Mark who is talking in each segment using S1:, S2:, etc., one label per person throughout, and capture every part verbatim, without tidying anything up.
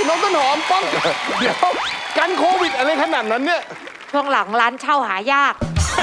S1: น้องต้นหอมป้องเดี๋ยวกันโควิดอะไรขนาดนั้นเนี่ย
S2: ช่วงหลังร้านเช่าหายาก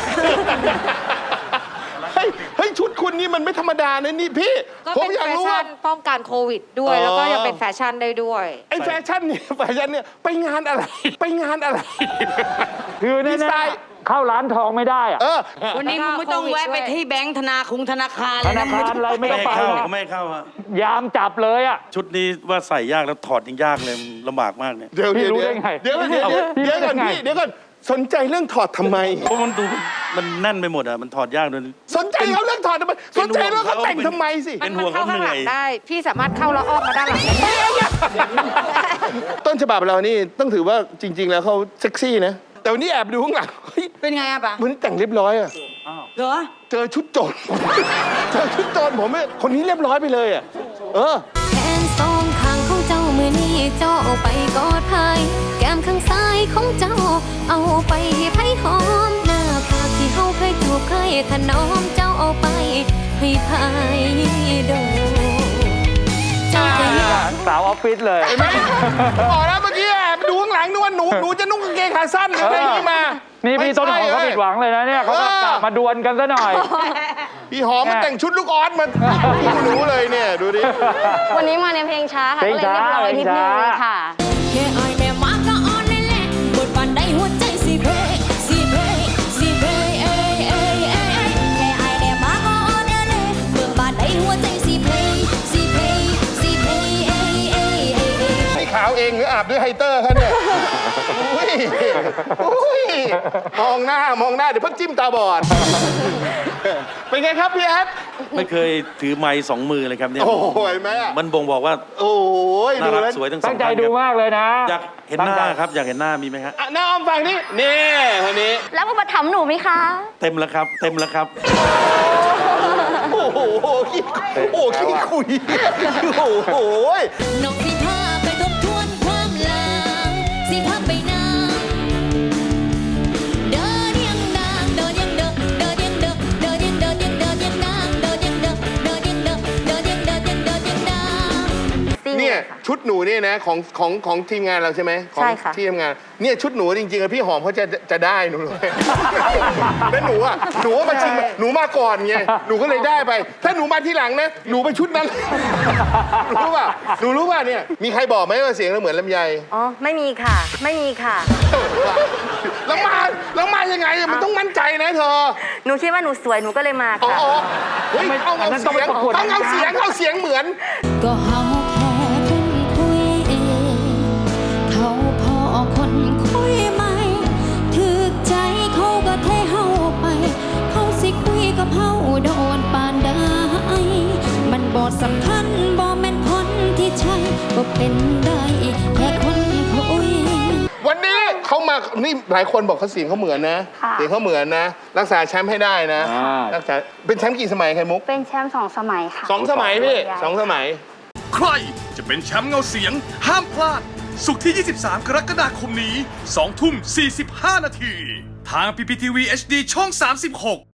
S1: เฮ้ยเฮ้ยชุดคุณนี่มันไม่ธรรมดานะนี่พี่
S2: ก็
S1: ผม
S2: เป็น
S1: อยาก
S2: แฟ
S1: รู้
S2: ชั่
S1: ว่าน
S2: ป้องกันโควิดด้วย
S1: อ๋อ
S2: แล้วก็ยังเป็นแฟชั่นได้ด้วย
S1: ไอ้แฟชั่นเนี่ยแฟชั่นเนี่ยไปงานอะไร ไปงานอะไร
S3: คือ
S1: ดี
S3: แน่
S1: ไซน์
S3: ๆเข้าร้านทองไม่ได้อะ
S1: เออ
S4: วันนี้มึงไม่ต้องแวะไปที่แบงค์ธนาคงธนาคาร
S3: ธ
S4: เลย
S3: นา
S4: นะ
S3: คารอะไรไม่
S5: ไม่
S3: ต้องไป
S5: เข้า
S3: อะ
S5: ไม่เข้าฮะ
S3: ยามจับเลยอะ
S5: ชุดนี้ว่าใส่ยากแล้วถอดยังยากเลยลำบากมากเนี่ย
S1: เดี๋ยว
S3: พี่
S1: เดี๋ยว
S3: รู้ได้ไง
S1: เดี๋ยวเดี๋ยวเดี๋ยว
S3: พี่
S1: เดี๋ยว
S3: รู้ได้
S1: ก่อน
S3: ไง
S1: พี่เดี๋ยวก่อนสนใจเรื่องถอดทำไม
S5: เพราะมันดูมันแน่นไปหมดอ่ะมันถอดยากด้วย
S1: สนใจเขาเรื่องถอดทำไมสนใจเรื่องเขาแต่งทำไมสิ
S5: เป็
S2: มัน
S5: นห่
S2: มัน
S5: วง
S2: เข้า
S5: เขา
S2: ข้าง
S5: เห
S2: ห
S5: นื่
S2: ลั
S5: อย
S2: งได้ พี่สามารถเข้าแล้วอ้อมมาด้านหลังได้
S1: ต้นฉบับเรานี่ต้องถือว่าจริง ๆ แล้วเขาเซ็กซี่นะแต่วันนี้แอบดูข้างหลังเฮ้ย
S4: เป็นไงอะปะ
S1: วันนี้แต่งเรียบร้อยอะ
S4: เหรอ
S1: เจอชุดโจร เจอชุดโจรผมเนี่ยคนนี้เรียบร้อยไปเลยอะเออ
S6: แขนสองข้างของเจ้ามือนี้เจ้าเอาไปกอดไผแก้มข้างซ้ายของเจ้าเอาไปให้ไผหอมหน้าผากที่เฮาเคยจูบเคยถนอมเจ้าเอาไปให้ไผดมเจ้าก็อยาก
S3: สาวออฟฟิศเลย
S1: เห็นไหมบอกแล้วเมื่อกี้แอบดูข้างหลังนึกว่าหนูหนูจะนุ่งกางเกงขาสั้นอะไรอย่างนี้มา
S3: นี่
S1: นี่
S3: พี่ต้นหอมเขาผิดหวังเลยนะเนี่ยเขาก็กลับมาดวลกันซะหน่อย
S1: พี่หอมมันแต่งชุดลูกออสมาดูหนูเลยเนี่ยดูดิ
S7: วันนี้มาในเพลงช้าค่ะ
S3: เพล
S7: ก็
S3: ง
S7: เลย
S3: ช้า
S7: เรียบร้อยนิดนึง
S3: เพลงช้า
S7: ค่ะ
S6: แค่อายแม่มาก็อ่อนแน่ๆบทบานได้หัวใจสิเพสิเพสิเพเอ้ยเอ้ยเอ้ยแค่อายแม่มาก็อ่อนแน่ๆเบิ่งบานได้หัวใจสิเพสิเพสิเพเอ้ยเอ้ยเอ้ยเอ้ย
S1: นี่ขาวเองหรืออาบด้วยไฮเตอร์คะเนี่ยอุ้ยอุ้ยมองหน้ามองหน้าเดี๋ยวเพิ่งจิ้มตาบอด เป็นไงครับพี่แอด
S5: ไม่เคยถือไม้สองมือเลยครับเนี่ย
S1: โอ้โหเห็นไหมอะ
S5: มันบ่งบอกว่า
S1: โอ้ย
S5: น่า
S1: ดู
S5: รัก
S1: แล้ว
S5: สวยทั้งสอ
S3: ตั้
S5: ง
S3: งใจ
S5: ท่าน
S3: ดู
S5: ครับ
S3: มากเลยนะ
S5: อยากเห็นหน้าครับอยากเห็นหน้ามีไหมครับ
S1: อ่ะหน้าอ้อมฝั่งนี้นี่คนนี้
S7: แล้วอุปถัมภ์หนูไหมคะ
S5: เต็มแล้วครับ เต็มแล้วครับ
S1: โอ้โหขี้โอ้ขี้คุยโอ้โห
S6: นกสิพาไปทบทวนความหลังสิพาไปนางเดินยังนางเดินยังเดินเดินยังเดินเดินยังเดินยังเดินยังนางเดินยังเดินเดินยังเดินเดินยังเดินยังเดินยังนาง
S1: เนี่ยชุดหนูเนี่ยนะของของของทีมงานเราใช่ไหมของ
S7: ใช่ค่ะ
S1: ที่ทำงานเนี่ยชุดหนูจริงๆอะพี่หอมเขาจะจะได้หนูเลยแล้วหนูอ่ะหนูว่ามาชิงหนูมาก่อนไงหนูก็เลยได้ไป ถ้าหนูมาทีหลังนะหนูไปชุดนั้นหนูรู้ป่ะหนูรู้ป่ะเนี่ยมีใครบอกไหมว่าเสียงเราเหมือนลำไย
S7: อ๋อ ไม่มีค่ะ ไม่มีค่ะ
S1: แล้วมาแล้วมายังไงอะมันต้องมั่นใจนะเธอ
S7: หนูคิดว่าหนูสวยหนูก็เลยมา
S1: อ๋อ
S7: ค่ะ
S1: อ๋อเฮ้ยเอา
S3: อั
S1: เอา
S3: นนั้นต้
S1: เสี
S3: อง
S1: ย
S3: ไป
S1: ง
S3: ประกวด
S1: ต้องเอาเสียงเอาเสียงเหมือน
S6: ก็เฮาแค่คนคุยเองเขาพอคนคุยไหมถึกใจเขาก็เทเฮาไป เขาสิคุยกับเฮาโดนปานใดมันบอดสำคัญบ่แม่นคนที่ใช่ก็เป็นได้แค่คนคุย
S1: วันนี้เขามา นี่หลายคนบอกเขาเสียงเขาเหมือนนะ
S7: ค่ะ
S1: เสียงเขาเหมือนนะ รักษาแชมป์ให้ได้นะ
S3: อ่า
S1: รักษา เป็นแชมป์กี่สมัยไข่มุก
S7: เป็นแชมป์สองสมัยค่ะ
S1: สองสมัยพี่สองสมัย
S8: ใครจะเป็นแชมป์เงาเสียง ห้ามพลาด ศุกร์ที่ ยี่สิบสาม กรกฎาคมนี้ สองทุ่มสี่สิบห้า นาที ทาง พี พี ที วี เอช ดี ช่อง สามสิบหก